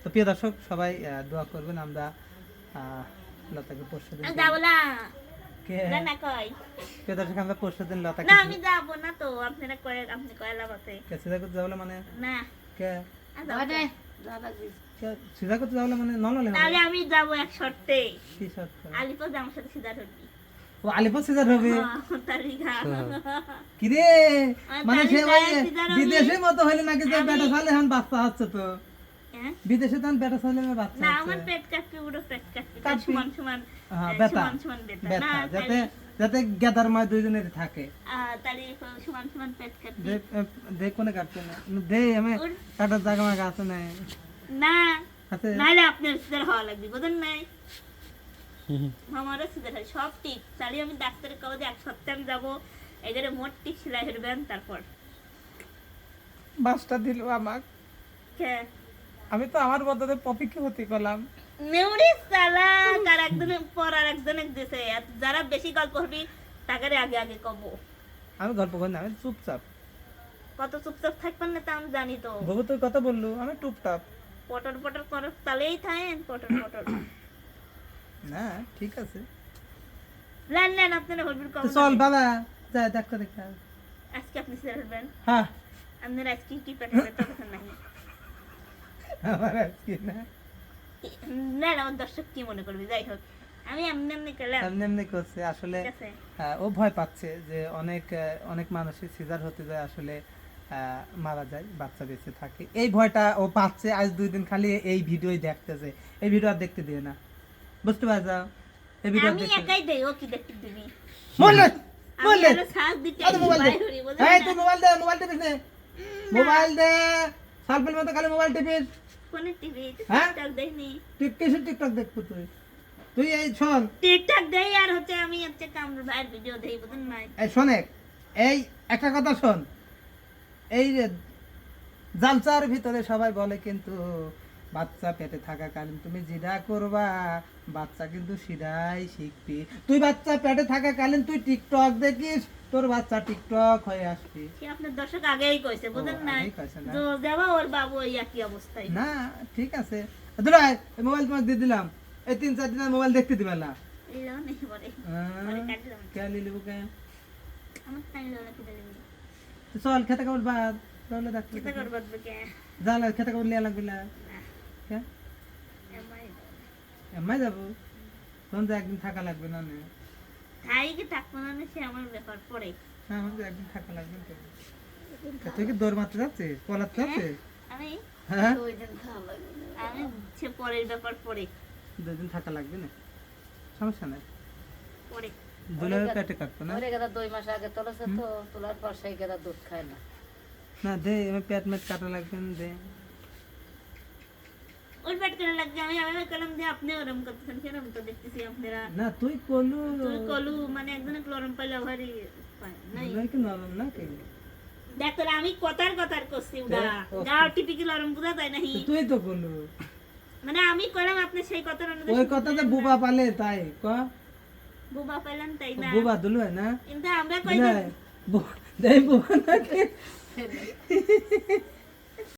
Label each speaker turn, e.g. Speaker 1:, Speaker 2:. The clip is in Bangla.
Speaker 1: তো প্রিয় দর্শক সবাই দোয়া করবেন, আমরা লতাকে পরশুদিন
Speaker 2: যাব না
Speaker 1: কে
Speaker 2: না কই
Speaker 1: প্রিয় দর্শক আমরা পরশুদিন লতাকে
Speaker 2: না আমি যাব না তো আপনারা কয় আপনি কয়লা বাতে
Speaker 1: কে সিধা করতে যাবলে মানে
Speaker 2: না
Speaker 1: কে
Speaker 2: আদে
Speaker 1: কে সিধা করতে যাবলে মানে নললে
Speaker 2: তাহলে আমি যাব এক শর্তে
Speaker 1: কি শর্ত
Speaker 2: আলিপুর আমার সাথে সিধা হবি
Speaker 1: ও আলিপুর সিধা হবে
Speaker 2: তালিকা
Speaker 1: কি রে মানে সে ওই বিদেশের মতো হইলে নাকি যে বেটা সালে এখন বাচ্চা হচ্ছে তো বিদেশে তখন বেটা সালে বাচ্চা
Speaker 2: না আমার পেট কাটতে পুরো পেট কাটতে
Speaker 1: কাটবি?
Speaker 2: সমান সমান
Speaker 1: হ্যাঁ বেটা
Speaker 2: সমান সমান বেটা
Speaker 1: বেটা
Speaker 2: না
Speaker 1: যাতে যাতে গেদার মায় দুইজনের থাকে
Speaker 2: তাহলে সমান সমান পেট কাটতে
Speaker 1: দেখ দেখ কোনে কাটতে না দে আমি কাটার জায়গা মাগা আছে না
Speaker 2: না
Speaker 1: আছে
Speaker 2: নাইলে আপনার সিজার হওয়া লাগবে বুঝেন নাই আমারও সিজার হয় সব ঠিক তাহলে আমি ডাক্তারের কাছে এক সপ্তাহ আমি যাবো এদের মোট টিক সেলাই হেরবেন তারপর
Speaker 3: বাসটা দিল আমাক
Speaker 2: কে
Speaker 3: আমি তো আমার বদলে পপিকে হতে করলাম
Speaker 2: নেউরি সালা তার একজনের পর আর একজনের দিছে আর যারা বেশি গল্প করবি তাকে আগে আগে কব
Speaker 1: আমি গল্প করি না আমি চুপচাপ
Speaker 2: কত চুপচাপ থাকবেন না তা আমি জানি তো
Speaker 1: বাবু তুই কথা বললু আমি টুপটাপ
Speaker 2: পটর পটর করো তাহলেই থাকেন পটর পটর
Speaker 1: না ঠিক আছে
Speaker 2: লেন লেন আপনারা হলবির কম
Speaker 1: তো চল বাবা যা দেখো দেখা
Speaker 2: আজকে আপনি সেরে হলবেন
Speaker 1: হ্যাঁ
Speaker 2: আপনার আজকে কি পেটে পেটে কথা নাই
Speaker 1: আমার আজকে না
Speaker 2: না না আমার দর্শক কি মনে করবে যাই হোক আমি এমনি এমনি গেলাম
Speaker 1: এমনি এমনি করছে আসলে
Speaker 2: ঠিক আছে
Speaker 1: ও ভয় পাচ্ছে যে অনেক অনেক মানুষের সিজার হতে যায় আসলে মারা যায় বাচ্চা বেঁচে থাকে এই ভয়টা ও পাচ্ছে আজ 2 দিন খালি এই ভিডিওই দেখতেছে এই ভিডিও আর দেখতে দিও না বুঝতে পারছো এই ভিডিও
Speaker 2: আমি
Speaker 1: দেখতে
Speaker 2: একাই দেই ও কি দেখতে দিবি
Speaker 1: বললে
Speaker 2: আমি
Speaker 1: বললে
Speaker 2: আরো সাথ দিতে
Speaker 1: আরে মোবাইল দে
Speaker 2: বাইরে বুঝেন
Speaker 1: এই
Speaker 2: না?
Speaker 1: তুই মোবাইল দে টিপিস মোবাইল দে সালফেল মতো খালি মোবাইল টিপিস
Speaker 2: কোনে টিভি
Speaker 1: হ্যাঁ?
Speaker 2: টিকটক দেইনি
Speaker 1: টিকটক দেখবো তুই তুই এই শোন
Speaker 2: টিকটক দেই আর হচ্ছে আমি হচ্ছে কামরুল ভাইয়ের ভিডিও দেই বুঝেন না
Speaker 1: এই শোনে এই একটা কথা শোন এই যে জালচার ভিতরে সবাই বলে কিন্তু বাচ্চা পেটে থাকাকালীন তুমি যেটা করবা বাচ্চা কিন্তু সিধাই শিখবি তুই বাচ্চা পেটে থাকাকালীন তুই টিকটক দেখিস তোর বাচ্চা টিকটক হয়ে আসবি
Speaker 2: সে আপনার দর্শক আগেই কইছে বুঝেন না
Speaker 1: আগেই কইছে না?
Speaker 2: তো যাবা ওর বাবু এই একই অবস্থায়
Speaker 1: না ঠিক আছে দুলাই মোবাইল তোমাকে দিয়ে দিলাম এই 3-4 দিনের মোবাইল দেখতে দিবে না
Speaker 2: এলো নেই বলে পরে কাটলাম
Speaker 1: কে লিলিবু কে
Speaker 2: আমার টাইম লাগলো কি দিলেন
Speaker 1: তো চল খেতে কাপড় বাদ তাহলে
Speaker 2: কিতা
Speaker 1: ডাক্তার
Speaker 2: করব কে
Speaker 1: জালা খেতে কাপড় লিয়া লাগবে না
Speaker 2: না
Speaker 1: কে
Speaker 2: এমআই
Speaker 1: এমআই যাবো তখন তো একদিন থাকা লাগবে না না
Speaker 2: তাই কি থাকবো না সে আমার ব্যাপার পড়ে
Speaker 1: হ্যাঁ আমাকে একদিন থাকা লাগবে তো তুই কি দৌড় মারতে যাচ্ছিস পলাতে যাচ্ছিস
Speaker 2: আমি
Speaker 1: হ্যাঁ
Speaker 2: আমি সে পরের ব্যাপার পড়ে
Speaker 1: 2 দিন থাকা লাগবে না সমস্যা নাই
Speaker 2: পড়ে
Speaker 1: দুলার পেটে কাটতো না
Speaker 4: ওরে গেদা 2 মাস আগে তোলেছে তো তোলার পর সেই গেদা দুধ খায় না
Speaker 1: না দে আমি পেট মেট কাটা লাগবে না দে
Speaker 2: ওই পেট করে লাগছে আমি কলম দিয়ে আপনি ওরম করতেছেন কেন আমি তো দেখতেছি আপনারা
Speaker 1: না তুই কলু
Speaker 2: তুই কলু মানে একজনে ক্লোরম পাইলে ভারী নাই
Speaker 1: নাই কি নরম না কি
Speaker 2: ডাক্তার আমি কথার করছি উড়া
Speaker 1: ও।
Speaker 2: গাও টিপিকি লরম বুঝা যায় নাহি
Speaker 1: তো তুই তো কলু
Speaker 2: মানে আমি কইলাম আপনি সেই কথার অনুযায়ী
Speaker 1: ওই কথাতে বুবা পালে তাই ক
Speaker 2: বুবা পাইলেন তাই না
Speaker 1: বুবা দুলু না
Speaker 2: কিন্তু আমরা কই
Speaker 1: দুলাই দেই বুবা নাকি